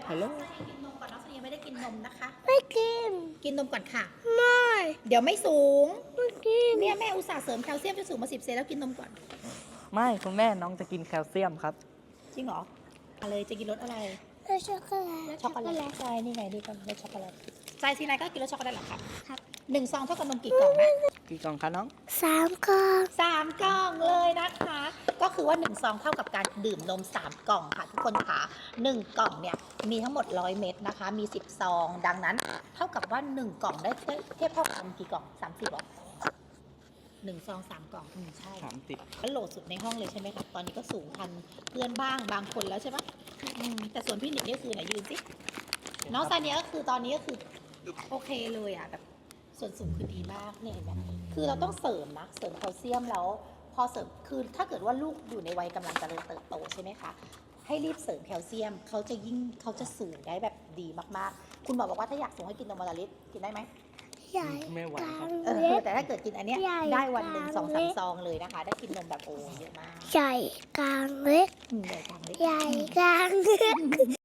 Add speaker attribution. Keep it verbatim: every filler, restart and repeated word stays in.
Speaker 1: ฮัลโหล
Speaker 2: กินนมก่อนน้องสนียังไม่ได้กินนมนะคะ
Speaker 3: ไม่กิน
Speaker 2: กินนมก่อนค่ะ
Speaker 3: ไม่
Speaker 2: เดี๋ยวไม่สูง
Speaker 3: ไม่กิน
Speaker 2: เนี่ยแม่อุตส่าห์เสริมแคลเซียมจนสูงมาสิบเซนแล้วกินนมก่อน
Speaker 1: ไม่คุณแม่น้องจะกินแคลเซียมครับ
Speaker 2: จริงเหรออะไรจะกินรสอะไร
Speaker 3: แล้วช็อกโกแลต
Speaker 2: ช็อกโกแลตใช่นี่ไงนี่ก็รสช็อกโกแลตใจซีนายก็กินรสช็อกโกแลตเหรอครับ
Speaker 3: ครับ
Speaker 2: หนึ่งซองเท่ากับนมกี่กล่องนะ
Speaker 1: กี่กล่องคะน้อง
Speaker 3: สามกล่อง
Speaker 2: สามกล่องเลยนะคะ ก็คือว่าหนึ่งซองเท่ากับการดื่มนมสามกล่องค่ะทุกคนค่ะหนึ่งกล่องเนี่ยมีทั้งหมดร้อยเม็ดนะคะ มีสิบซอง ดังนั้น เท่ากับว่าหนึ่งกล่องได้เทียบเท่ากันกี่กล่องสามสิบหรอหนึ่งซองสามกล่องอืมใช่
Speaker 1: สามสิบ
Speaker 2: ก็โหลดสุดในห้องเลยใช่ไหมครับ ตอนนี้ก็สูงทันเพื่อนบ้างบางคนแล้วใช่ปะอืมแต่ส่วนพี่หนิกนี่คือไหนยืนสิ น้องซาเนียก็คือตอนนี้ก็คือโอเคเลยอ่ะแบบส่วนสูงคือดีมากเนี่ยเห็นไหมคือเราต้องเสริมนะ เสริมแคลเซียมแล้ว พอเสริมคือถ้าเกิดว่าลูกอยู่ในวัยกำลังเจริญเติบโตใช่ไหมคะ ให้รีบเสริมแคลเซียมเขาจะยิ่งเขาจะสูงได้แบบดีมากๆ คุณหมอบอกว่าถ้าอยากสูงให้กินนมวันละลิตรกินได้ไหม
Speaker 3: ใหญ่
Speaker 1: ไม่ไหว
Speaker 3: กลา
Speaker 1: ครับ
Speaker 3: ง
Speaker 2: เอ
Speaker 3: เล็
Speaker 2: อก แต่ถ้าเกิดกินอันเนี้ย
Speaker 3: ใหญ่
Speaker 2: ได้วันหนึ่ง
Speaker 3: กลาง
Speaker 2: สองสาม
Speaker 3: เล็ก
Speaker 2: ซองเลยนะคะ ได้กินนมแบบโอ้เยอะมาก
Speaker 3: ใหญ่กลางเล็ก
Speaker 2: อืมใหญ่กลางเล็ก
Speaker 3: ใหญ่กลางเล็ก